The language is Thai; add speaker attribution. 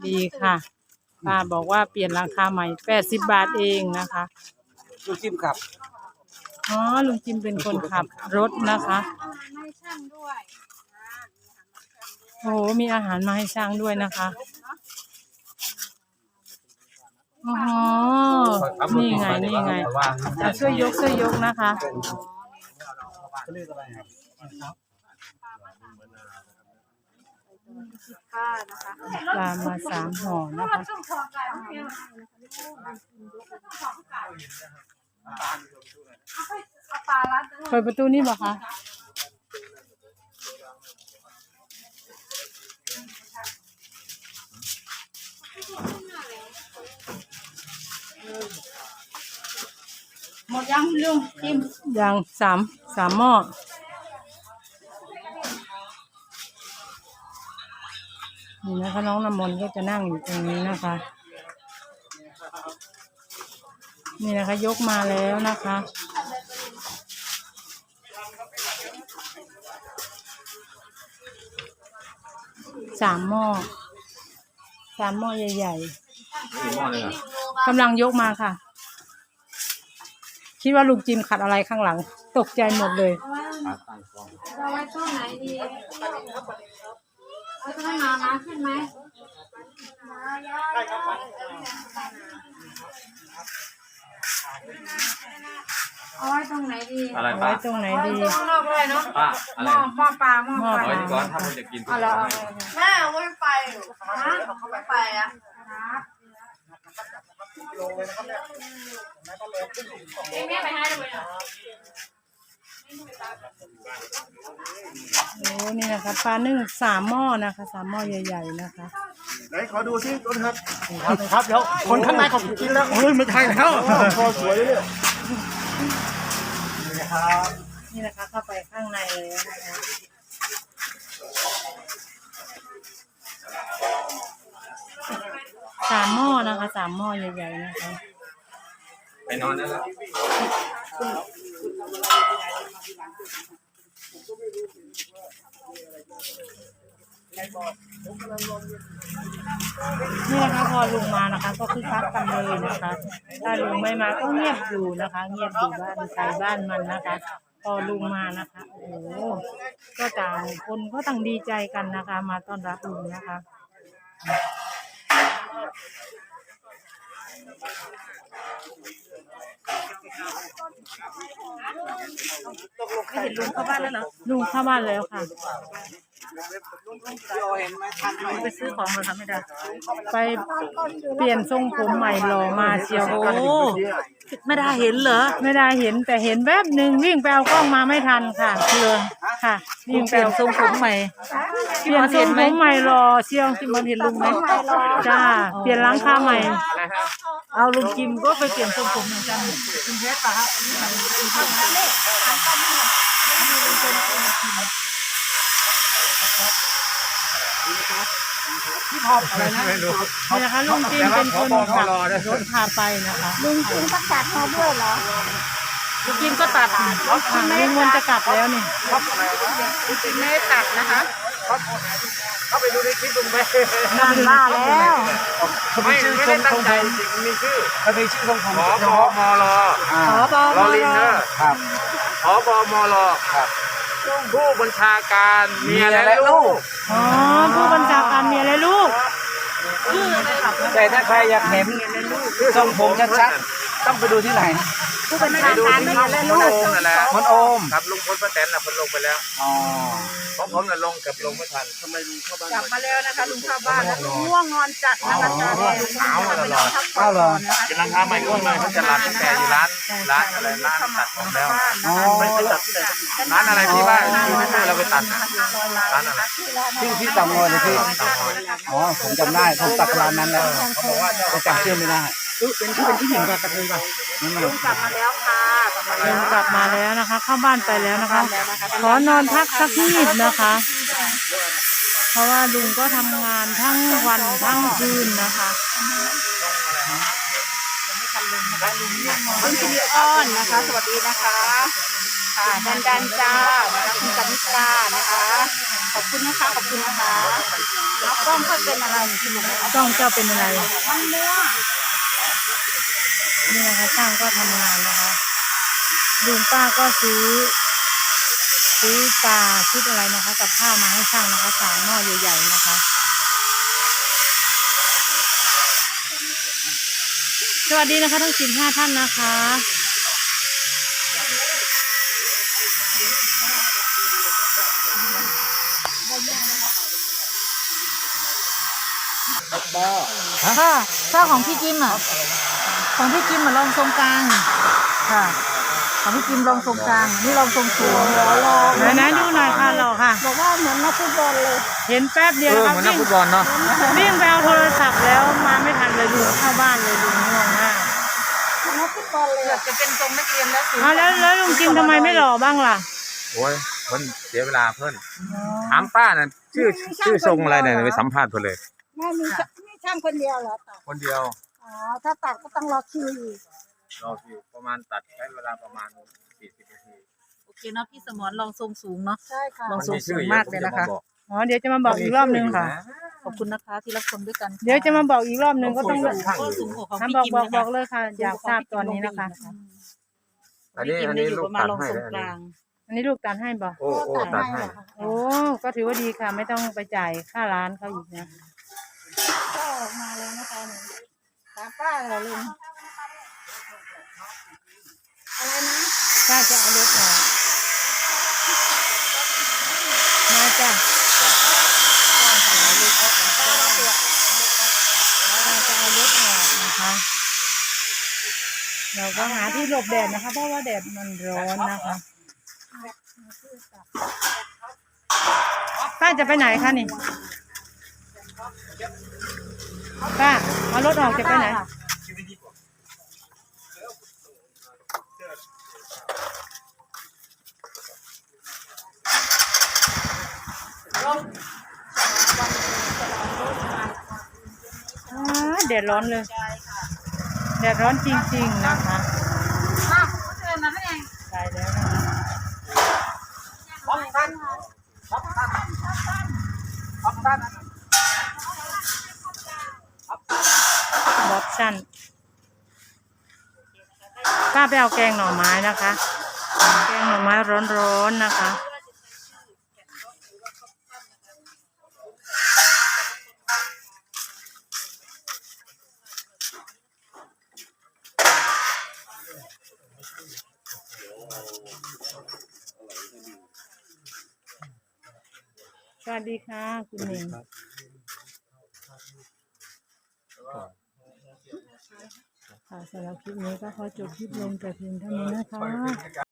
Speaker 1: ดีค่ะป้าบอกว่าเปลี่ยนราคาใหม่80 บาทเองนะคะ
Speaker 2: ลูกจิ้มขับ
Speaker 1: อ๋อลุงจิมเป็นคนขับรถนะคะโอ้โหมีอาหารมาให้ช่างด้วยนะคะอ๋อนี่ไงช่วยยกนะคะปลามา3 ห่อนะคะเปิดประตูนี่บ่คะ
Speaker 3: หมดยังลุงจิ้ม
Speaker 1: ยังสามหม้อนี่นะคะน้องน้ำมนต์ก็จะนั่งอยู่ตรงนี้นะคะนี่นะคะยกมาแล้วนะคะ3 หม้อใหญ่ๆกำลังยกมาค่ะคิดว่าลุงจิมขัดอะไรข้างหลังตกใจหมดเลย
Speaker 3: เราไว้ต้นไหนดีเอาต้นน้ำขึ้นไหมเอาไว้ตรงไหนดี
Speaker 1: อะไรไว้ตรงไหนดี
Speaker 3: ข้างนอกเลยเนาะ
Speaker 4: ป้าอะไร
Speaker 3: หม้อปลา
Speaker 4: ไว้ก่อนถ้าคุณจะกิน
Speaker 3: อะไรแม่ไว้ไปฮะไปอ่ะแม่ไปให้เลย
Speaker 1: โอ้นี่นะคะปลานึ่ง3 หม้อนะคะ3 หม้อใหญ่ๆนะคะ
Speaker 2: ไหนขอดูซิต้นครับครับเดี๋ยวคนข้างในเขากินแล้วเฮ้ยไม่ใช่แล้วพอสวยเลย
Speaker 1: นี่นะคะเข้าไปข้างในเลยนะคะ3 หม้อนะคะ3 หม้อใหญ่ๆนะคะ
Speaker 4: ไปนอนแล้ว
Speaker 1: นี่นะคะพอลุงมานะคะก็คึกคักกันเลยนะคะถ้าลุงไม่มาก็เงียบอยู่นะคะเงียบอยู่บ้านใครบ้านมันนะคะพอลุงมานะคะโอ้โหก็ต่างคนก็ต่างดีใจกันนะคะมาต้อนรับลุงนะคะ
Speaker 3: ไม่เห็นลุงเข้าบ้านแล้วเหรอ
Speaker 1: ลุงเข้าบ้านแล้วค่ะ
Speaker 3: ไปซื้อของมาทำไม่ได้
Speaker 1: ไปเปลี่ยนทรงผมใหม่หล่อมาเชียว
Speaker 3: โอ้ไม่ได้เห็นเหรอ
Speaker 1: ไม่ได้เห็นแต่เห็นแวบหนึ่งวิ่งไปเอากล้องมาไม่ทันค่ะเลยค่ะ
Speaker 3: วิ่งเปลี่ยนทรงผมใหม่
Speaker 1: เปลี่ยนทรงผมใหม่หล่อเชียวที่มันเห็นลุงไหมจ้าเปลี่ยนหลังคาใหม่
Speaker 3: เอาลุงจิมก็ไปเปลี่ยนทรงผมเหมือนกันลุงเพชรป่ะครับ
Speaker 2: ที่พออะไรนะ
Speaker 1: นี่นะคะลุงจิมเป็นคนขับรถพาไปนะคะ
Speaker 3: ลุงจิมก็ตัดมาด้วยเหรอลุงจิมก็ตัด
Speaker 1: ลุงมันจะกลับแล้วนี่
Speaker 3: ลุงจิมไม่ได้ตัดนะคะ
Speaker 2: เข้าไปดูในคลิปลุงไป
Speaker 3: นานมาแล้ว
Speaker 4: ไม่ได้ตั้งใจจริงมีชื่อ
Speaker 2: มันมีชื่อของผม
Speaker 4: ผบมรลอลินเนอร์
Speaker 2: ครับ
Speaker 4: ผบมรครับผู้บัญชาการเมียและลูก
Speaker 1: อ๋อผู้บัญชาการเมียและลูก
Speaker 2: แต่ถ้าใครอยากเห็นทรงผมชัดๆต้องไปดูที่ไหน
Speaker 3: ผู้บัญชาการเมียและลูก
Speaker 4: นั่นแหละ
Speaker 2: มันโอม
Speaker 4: ครับลุงพลป้าแตนน่ะเพิ่นลงไปแล้ว
Speaker 2: อ๋อ
Speaker 4: ของผมน่ะลงกับลงไม่ทันทำไมลุงเข้าบ้าน
Speaker 3: กลับมาแล้วนะคะลุงเข้าบ้านแล้วง่วงนอนจัดนะคะตอนนี้
Speaker 4: เอาตลอด
Speaker 2: เอาเหรอ
Speaker 4: กินราคาใหม่ก็ใหม่เขาจะรับตั้งแต่อยู่ร้านอะไรร้านตัดผมแล้วไม่ไปตัดที่ไหนร้านอะไรที่ว่าเราไปตัดร้านอะไร
Speaker 2: ที่ต่างงอยเลยพี่อ๋อผมจำได้ผมตัดร้านนั้นแล้วเขาบอกว่าจะจำชื่อไม่ได้เป็นที่หญิงกับกระเทยป่ะ
Speaker 3: ลุงกลับมาแล้วค่ะ
Speaker 1: ลุงกลับมาแล้วนะคะเข้าบ้านไปแล้วนะคะขอนอนพักสักนิดนะคะเพราะว่าลุงก็ทำงานทั้งวันทั้งคืนนะคะ
Speaker 3: คุณสิริอ้อนนะคะสวัสดีนะคะค่ะดันจ้านะคะคุณกนิษฐานะคะขอบคุณนะคะขอบคุณนะคะแล้วกล้องค่อยเป็นอะไรที่ลุง
Speaker 1: กล้องเจ้าเป็นอะไร
Speaker 3: มันเนื้อ
Speaker 1: นี่นะคะช่างก็ทำงานนะคะลุงป้าก็ซื้อปลาชุดอะไรนะคะ กับข้าวมาให้ช่างนะคะ3 หม้อใหญ่ๆนะคะ สวัสดีนะคะทั้ง15 ท่านนะคะ
Speaker 3: ถ้าของพี่จิมอ่ะของพี่จิมอ่ะลองทรงกลางค่ะของพี่จิมลองทรงกลางนี่ลองทรงสูง
Speaker 1: ไหนๆดูหน่อยค่ะหล่อค่ะ
Speaker 3: บอกว่าเหมือนนักฟุตบอลเลย
Speaker 1: เห็นแป๊บเดียวนะครับ
Speaker 4: เหมือนนักฟุตบอลเนาะ
Speaker 1: วิ่งไปเอาโทรศัพท์แล้วมาไม่ทันเลยลุงเข้าบ้านเลยลุงง่วงมาก
Speaker 3: นักฟุตบอลเลยจะเป็นทรงนักเรียนแล้วสูง
Speaker 1: แล้วลุงจิมทำไมไม่หล่อบ้างล่ะ
Speaker 4: โอ้ยเพิ่นเสียเวลาเพิ่นถามป้าน่ะชื่อทรงอะไรเนี่ยไปสัมภาษณ์เพิ่นเลย
Speaker 3: ไม่มีช่างคนเดียวเหรอตัด
Speaker 4: คนเดียว
Speaker 3: อ๋อถ้าตัดก็ต้องรอคิวอีก
Speaker 4: รอคิวประมาณตัดใช้เวลาประมาณ40 นาที
Speaker 3: โอเคเนาะพี่สมรลองทรงสูงเนาะใช่ค่ะ
Speaker 4: มันมีชื่อมากเลยนะคะ
Speaker 1: อ๋อเดี๋ยวจะมาบอกอีกรอบนึงค่ะ
Speaker 3: ขอบคุณนะคะที่รับชมด้วยกัน
Speaker 1: เดี๋ยวจะมาบอกอีกรอบนึงก็ต้อง
Speaker 3: ก็สูงกว่าของ
Speaker 1: ทำ
Speaker 3: พี่
Speaker 1: บอก
Speaker 3: จิม
Speaker 1: บอก
Speaker 3: นะ
Speaker 1: บ
Speaker 3: คะ
Speaker 1: อกเลยค่ะ อยากทราบตอนนี้นะคะ
Speaker 4: อันนี้ลูกตัดให้
Speaker 3: ทรง
Speaker 4: นะ
Speaker 3: กลาง
Speaker 1: อันนี้ลูกตัดให้บอก
Speaker 4: โอ้ตัดให้
Speaker 1: โอ้ก็ถือว่าดีค่ะ ไม่ต้องไปจ่ายค่าร้านเขาอีกนะ
Speaker 3: ก็ออกมาแล้วนะคะหนูตามป้าเหรอลุงอะไรนะ
Speaker 1: ป้าจะเอารถออกมาจ้ะป้าจะเอารถออกนะคะ เราก็หาที่หลบแดดนะคะ เพราะว่าแดดมันร้อนนะคะ ป้าจะไปไหนคะนี่ ป้าเอารถออกจะไปไหน แดดร้อนเลย แดดร้อนจริงๆนะคะใช่แล้วนะคะบ๊อบชั่นป้าไปเอาแกงหน่อไม้นะคะ แกงหน่อไม้ร้อนๆนะคะ สวัสดีค่ะคุณหนิงค่ะสำหรับคลิปนี้ก็ขอจบคลิปลงแต่เพียงเท่านี้นะคะ